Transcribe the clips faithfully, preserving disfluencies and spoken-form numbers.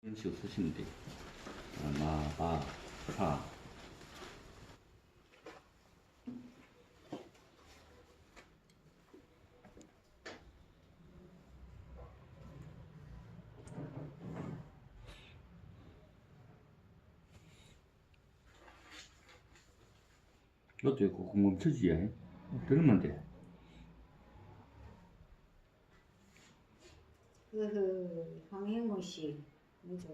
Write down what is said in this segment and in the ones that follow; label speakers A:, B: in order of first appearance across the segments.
A: 이런 식으로 쓰시면 돼요. 마, 바, 파. 이것도 있고 멈춰지야 해. 들으면 돼.
B: 그 황행모 씨, 뭐죠?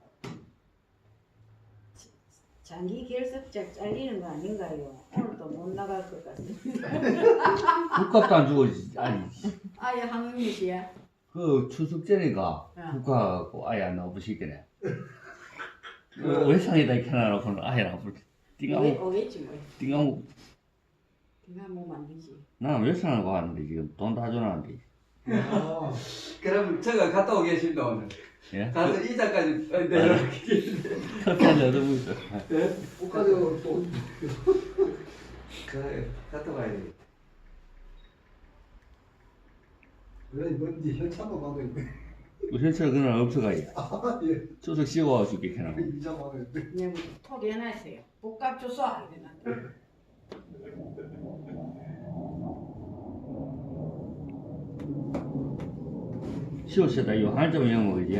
B: 장기 결석자 잘리는 거 아닌가요? 오늘도 못 나갈 것 같습니다.
A: 국값도 안 주고 아니.
B: 아예 황행모 씨야?
A: 그 추석 전에가
B: 어.
A: 국가하고 아예 안 나와보시겠네. 그 외상에다 이렇게 놔놓고는 아예 안 나와볼.
B: 오겠,
A: 띵하고
B: 오겠지 뭐.
A: 띵하고
B: 네가 뭐 만들지.
A: 나는 외상하고 하는데 지금 돈 다 줘놨는데.
C: 아, 그럼 제가 갔다 오겠습니다 오늘.
A: 예?
C: 가서 이자까지 내려가겠는데.
A: 커피 한잔 얻어보죠.
C: 네?
D: 옷가지고 또
C: 그래 갔다 와야 돼.
D: 왜 뭔지 현찰만 받고 있네.
A: 현찰 그날 없어가요.
D: 아 예.
A: 추석 쉬고 와서 이렇게 해놔.
D: 이자만 했는데.
B: 그냥 톡 해놨어요. 복값 줘서 이랬는데.
A: 쉬었다 이거 한점 영어 그지?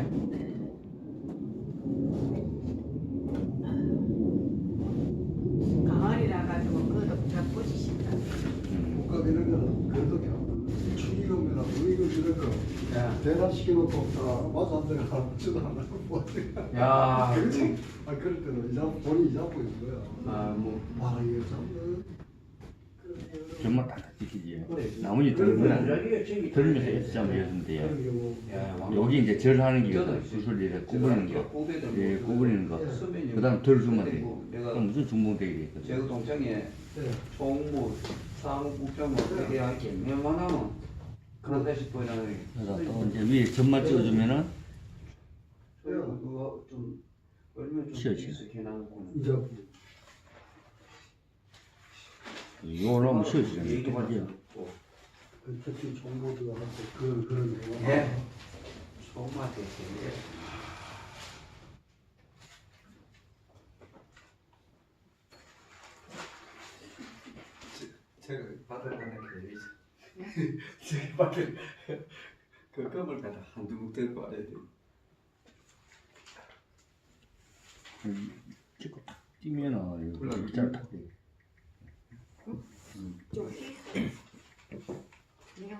B: 가을이라 가지고 그것도 잘 보시신다.
D: 옷가 이런 거는 그래도 그냥 축의금이나 무의금 이런 거
C: 야,
D: 대납시켜놓고 다 맞아 안 되는 사람 주도 안 하고 뭐
C: 야,
D: 그래서 아 그럴 때는 이자 돈이 이자 보이는 거야.
C: 아뭐
D: 아 이게 참.
A: 정말 다 지키지. 나머지 들으면 들으면서 애쓰자면 되는데요.
D: 그런 경우
C: 야,
A: 여기 이제 절하는 게 수술이래 구부리는 거, 예, 구부리는 거. 그다음 덜 주면 돼.
C: 내가
A: 그럼 무슨 중봉되게
C: 제가
A: 되겠거든.
C: 동창에
D: 네.
C: 총무, 사무국장 뭐 이렇게 할게 웬만하면 그런 데씩 보이나요?
A: 그래서 또 이제 위에 점만 찍어주면은
C: 그거 좀 얼면 좀
A: 쉬어, 쉬어.
C: 익숙해 나고
D: 이자
A: 이거 올라오면 쉬어지잖아요. 똑같이요.
D: 그 특히 정보들한테 그 그런 경우.
C: 예. 총무한테 있어요. 제가 받을 거는 그 제가 받을 그 껌을 갖다 한두 묵 들고 와야 돼.
A: 찍고 딱 뛰면은 이거 일자로 딱 돼.
B: 좀 히. 내가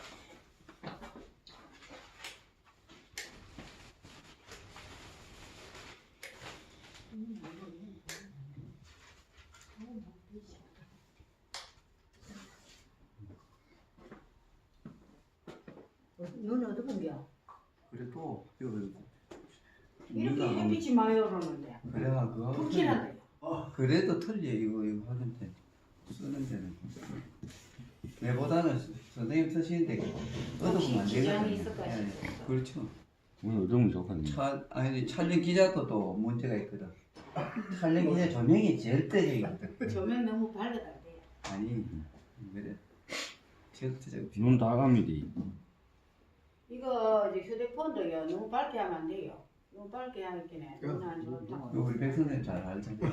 B: 눈 어디 본겨?
C: 그래도 이거
B: 이렇게 햇빛이 많이 오르는데
C: 그래야 그거
B: 푹 지나가요.
C: 그래도 틀려 이거 이거 하는데 쓰는 데는 내보다는 선생님 쓰시는데 얻어보면 안
B: 지장이
C: 되거든요.
B: 있을 것
C: 예,
B: 같아요.
C: 그렇죠.
A: 오늘 얻으면 좋거든요.
C: 차, 아니 촬영 기자도 또 문제가 있거든. 촬영 기자 조명이 절대적이거든.
B: 조명 너무 밝아도 안 돼요.
C: 아니 그래 절대적.
A: 눈 다 감이 돼.
B: 이거 이제 휴대폰도요 너무 밝게 하면 안 돼요. 너무 밝게 하니까 눈안 좋다.
C: 이거 우리 백 선생님 잘 알잖아요.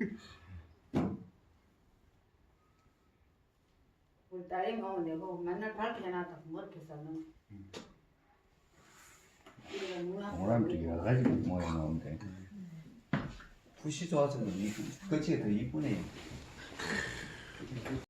B: 우리 딸이 뭐 내가 맨날 밝게 해놨다 머리에서는 이거 누나
A: 오람도 여러 가지 모양 나오는데.
C: 붓이 좋아서 그렇지 더 이쁘네.